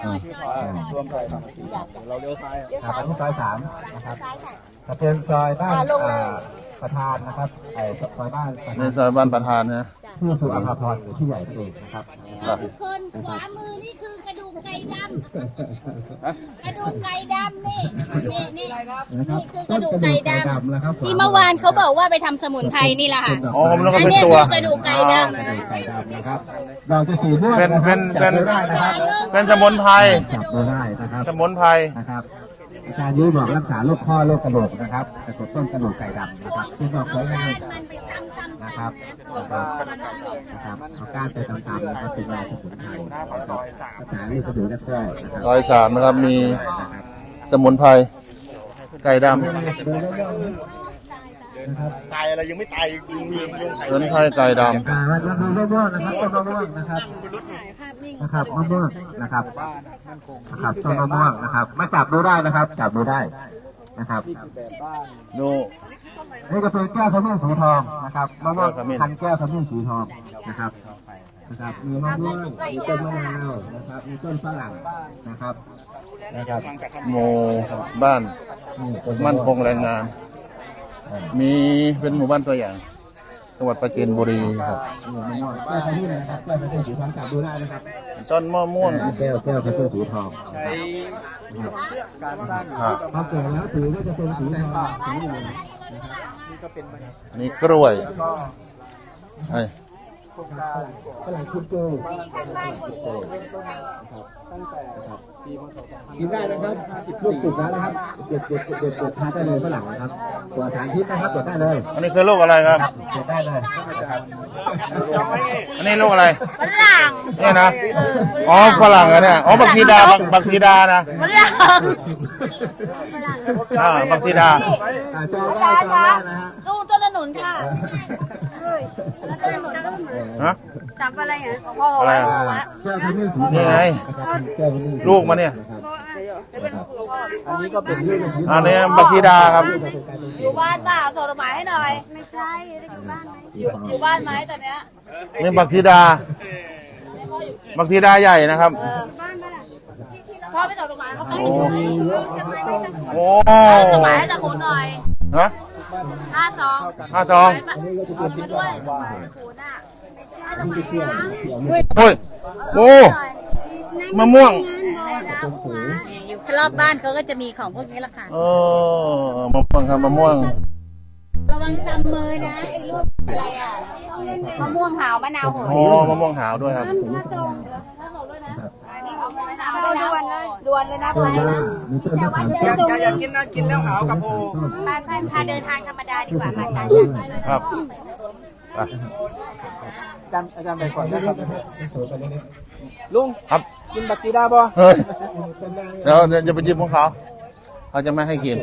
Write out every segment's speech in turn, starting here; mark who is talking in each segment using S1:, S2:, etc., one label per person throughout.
S1: รวมซอยเราเลี้ยวซ้าย
S2: ไปที่ซอย3นะครับจะเป็นซอยบ้านประธานนะครับซอยบ้าน
S3: ในซอยบ้านประธานนะ
S2: ที่สุอาภาพรหรือที่ใหญ่เองนะครับ
S4: คนขวามือนี่คือกระดูกไก่ดำกระดูกไก่ดำนี่คือกระดูกไก่ดำที่เมื่อวานเขาบอกว่าไปทำสมุนไพรนี่แหละค่ะ
S3: อ๋อแล้วก็เป็นตัว
S4: กระดูกไก่ดำ
S2: นะครับเราจะสีม่วง
S3: เป็นสมุนไพร
S2: จับได้นะครับ
S3: สมุนไพร
S2: นะครับอาจารย์ยุ้ยบอกรักษาโรคข้อโรคกระดูกนะครับกระตุ้นต้นกระดูกไก่ดำนะครับที่บอกสวยงามนะครับเอาก้านไปตามๆนะครับเป็นยาสมุนไพรรักษาโรคกระดูกและข้อ
S3: ซอย3นะครับมีสมุนไพรไก่ดำ
S1: ตายอะไรยังไม่ตายมี
S3: สมุนไพรไก่ดำ
S2: มะม่วงนะครับต้นมะม่วงนะครับมะม่วงนะครับต้นมะม่วงนะครับมาจับดูได้นะครับจับดูได้นะครับ
S3: ดู
S2: นี่จะเป็นแก้วขมิ้นสีทองนะครับมะม่วงพันแก้วขมิ้นสีทองนะครับมีมะม่วงมีต้นมะนาวนะครับมีต้นฝรั่งนะครับ
S3: หมู่บ้านมั่นคงแรงงานมีเป็นหมู่บ้านตัวอย่างจังหวัดปราจีนบุรีครับ
S2: แก้วขมิ้นนะครับแก้วขมิ้นสีทองจับดูได้นะครับ
S3: ต้นมะม่วง
S2: แก้วขมิ้นสีทอง
S1: ใช้การสร้าง
S2: พอเกิดแล้วถือว่าจะเป็นสีทองสีเหลือง
S3: นี่กล้วยไอ้
S2: ฝรั่งคุดโก้กินได้นะครับลูกสุกแล้วนะครับเด็ดทานได้เลยฝรั่งนะครับตัวสารพิษนะครับเด็ดได้เลย
S3: อันนี้คือลูกอะไรครับ
S2: เด็ดได้เลย
S3: อันนี้ลูกอะไร
S4: ฝรั่ง
S3: นี่นะอ๋อฝรั่งอะเนี่ยอ๋อบักซีดานะ
S4: ฝรั่ง
S3: บักซีดา
S2: จองได้นะฮะ
S4: ตู้ต้นขนุนค่ะ
S3: ฮะ
S4: จับอะไรอ่ะ
S3: อะไรนี่ไงลูกมาเนี่ย
S1: อันนี้ก็เป็น
S3: อันนี้บักซีดาครับ
S4: อยู่บ้านเปล่าส่งดอกไม้ให้หน่อยไม่ใช่อยู่บ้านไหมอยู่บ้านไหมตอนเนี้ย
S3: นี่บักซีดาใหญ่นะครับ
S4: พ่อไปส่งดอกไม้เขาไป
S3: โอ้
S4: ดอกไม้ให้ตะโกนหน่อย
S3: ฮะ
S4: 5 ซองด้วย
S3: โอ้ยโอ้มะม่วง
S4: อยู่รอบบ้านเขาก็จะมีของพวกนี้แหละค่ะ
S3: มะม่วงครับมะม่วง
S4: ระวังตำมือนะไอ้ลูกอะไรอ่ะมะม่วงหาวมะนาวโห
S3: ยมะม่วงหาวด้วยครับ
S4: ด่วนเลยนะไปนะ
S1: อยากกินนะกินแล้วหาวกับโอ
S4: พาเดินทางธรรมดาดีกว่าค่ะ
S3: ครับ
S1: อาจารย์ไปก่อนนะครับลุง
S3: ครับ
S1: กินบักซีดาบ่
S3: เฮ้ยเดี๋ยวจะไปจิ้มของเขาจะไม่ให้กิน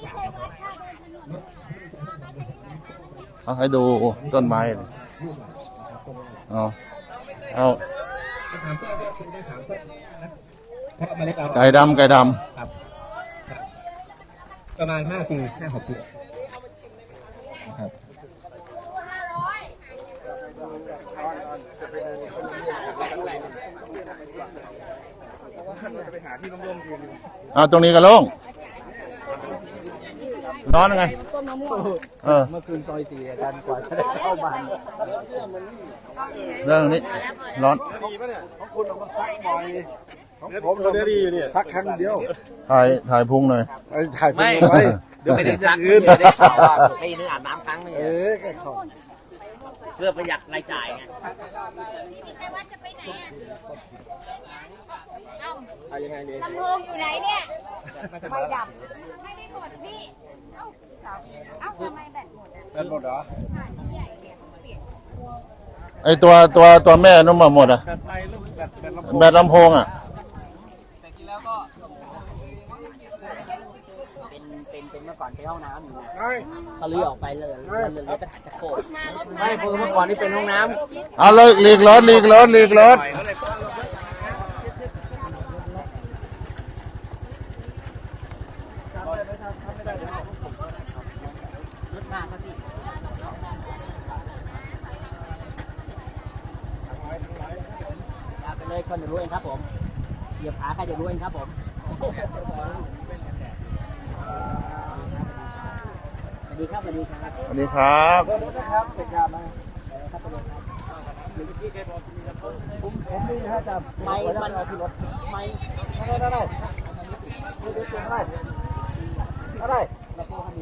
S3: เอาให้ดูต้นไม้เอาไก่ดำ
S2: ประมาณ5 ปี5-6 ปีครับ
S3: ตรงนี้ก็โล่งร้อนยังไง
S1: เมื่อคืนซอย4อาจารย์กว่าจะได้เข้าบ้าน
S3: เรื่องนี้ร้อน
S1: ของคุณเอามาซักบ่อยผมเราดีอยู่เนี่ยซักครั้งเดียว
S3: ถ่ายพุงหน่อย
S1: ถ่ายพุงไว้เดี๋ยวไปได้ซักอื่น
S5: ได้ข่าวว่าปีนึงอาบน้ำครั้งนึงเพื่อประหยัดรายจ่ายไง
S1: ยังไงเนี่ย
S4: ลำโพงอยู่ไหนเนี่ยไม่ดับไม่ได้หมดพี่ทำไมแบตหมด
S1: แบตหมดเหรอ
S3: ไอตัวแม่นุ่มหมดอ่ะแบตลำโพงอ่ะ
S5: แต่กินแล้วก็เป็นเมื่อก่อนไปห้องน้ำอยู่เขาลื้อออกไปเลยแต่จะโคตรไม่เมื่อก่อนนี่เป็นห้องน้ำ
S3: เอาเลยหลีกรถ
S5: เลยคนรู้เองครับผมยียบขาใครจะรู้เองครับผมสวัสดีครับสวัสดีครับ
S3: สวัสดีครับ
S1: ครับเสร็จงานไหม ผมนี่นะฮะจะ
S5: ไม่มันไม่
S1: ได้ได้ได้ได้ได้